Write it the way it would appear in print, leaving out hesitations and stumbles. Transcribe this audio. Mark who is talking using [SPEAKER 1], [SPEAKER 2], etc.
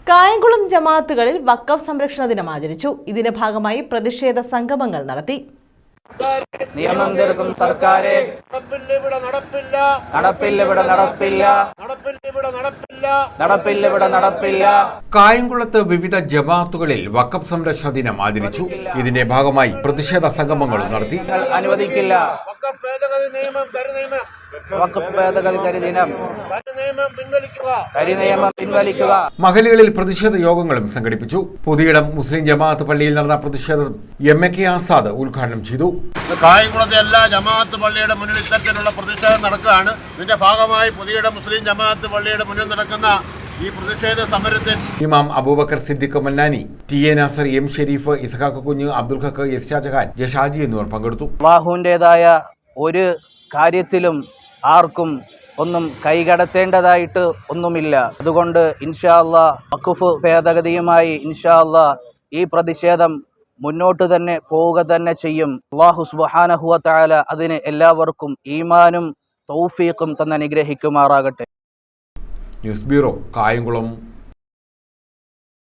[SPEAKER 1] കായംകുളം ജമാഅത്തുകളിൽ വഖഫ് സംരക്ഷണ ദിനം ആചരിച്ചു. ഇതിന്റെ ഭാഗമായി പ്രതിഷേധ സംഗമങ്ങൾ നടത്തി.
[SPEAKER 2] നിയമം തീർക്കും സർക്കാരെ, നടപ്പില്ല.
[SPEAKER 3] കായംകുളത്ത് വിവിധ ജമാഅത്തുകളിൽ വഖഫ് സംരക്ഷണ ദിനം ആചരിച്ചു. ഇതിന്റെ ഭാഗമായി പ്രതിഷേധ സംഗമങ്ങളും നടത്തി.
[SPEAKER 2] അനുവദിക്കില്ല. വഖഫ് ഭേദഗതി കരിനിയമം പിൻവലിക്കുക.
[SPEAKER 3] മഹലുകളിൽ പ്രതിഷേധ യോഗങ്ങളും സംഘടിപ്പിച്ചു. പുതിയിടം മുസ്ലിം ജമാഅത്ത് പള്ളിയിൽ നടന്ന പ്രതിഷേധം MK ആസാദ് ഉദ്ഘാടനം ചെയ്തു.
[SPEAKER 4] കായംകുളത്തെ എല്ലാ ജമാഅത്ത് പള്ളിയുടെ മുന്നിൽ ഇത്തരത്തിലുള്ള പ്രതിഷേധം നടക്കുകയാണ്. ഇതിന്റെ ഭാഗമായി പുതിയിടം മുസ്ലിം ജമാഅത്ത് പള്ളിയുടെ മുന്നിൽ നടക്കുന്ന ഈ പ്രതിഷേധ സമരത്തിൽ
[SPEAKER 3] ഇമാം അബൂബക്കർ സിദ്ദിഖ് മന്നാനി, TA നാസർ, M ഷെരീഫ്, ഇസ്ഹാഖ് കുഞ്ഞ്, അബ്ദുൽ ഹക്ക്, F ഷാജഹാൻ, ജഷാജി എന്നിവർ പങ്കെടുത്തു.
[SPEAKER 2] അല്ലാഹുവിൻ്റെതായ ഒരു കാര്യത്തിലും ആർക്കും ഒന്നും കൈകടത്തേണ്ടതായിട്ട് ഒന്നുമില്ല. അതുകൊണ്ട് ഇൻഷാ അല്ലാഹ് വഖഫ് ഭേദഗതിയുമായി ഇൻഷാ അല്ലാഹ് ഈ പ്രതിഷേധം മുന്നോട്ട് തന്നെ പോവുക തന്നെ ചെയ്യും. അല്ലാഹു സുബ്ഹാനഹു വ തആല അതിന് എല്ലാവർക്കും ഈമാനും തൗഫീഖും തന്നെ അനുഗ്രഹിക്കുമാറാകട്ടെ.
[SPEAKER 3] News bureau, Kayamkulam.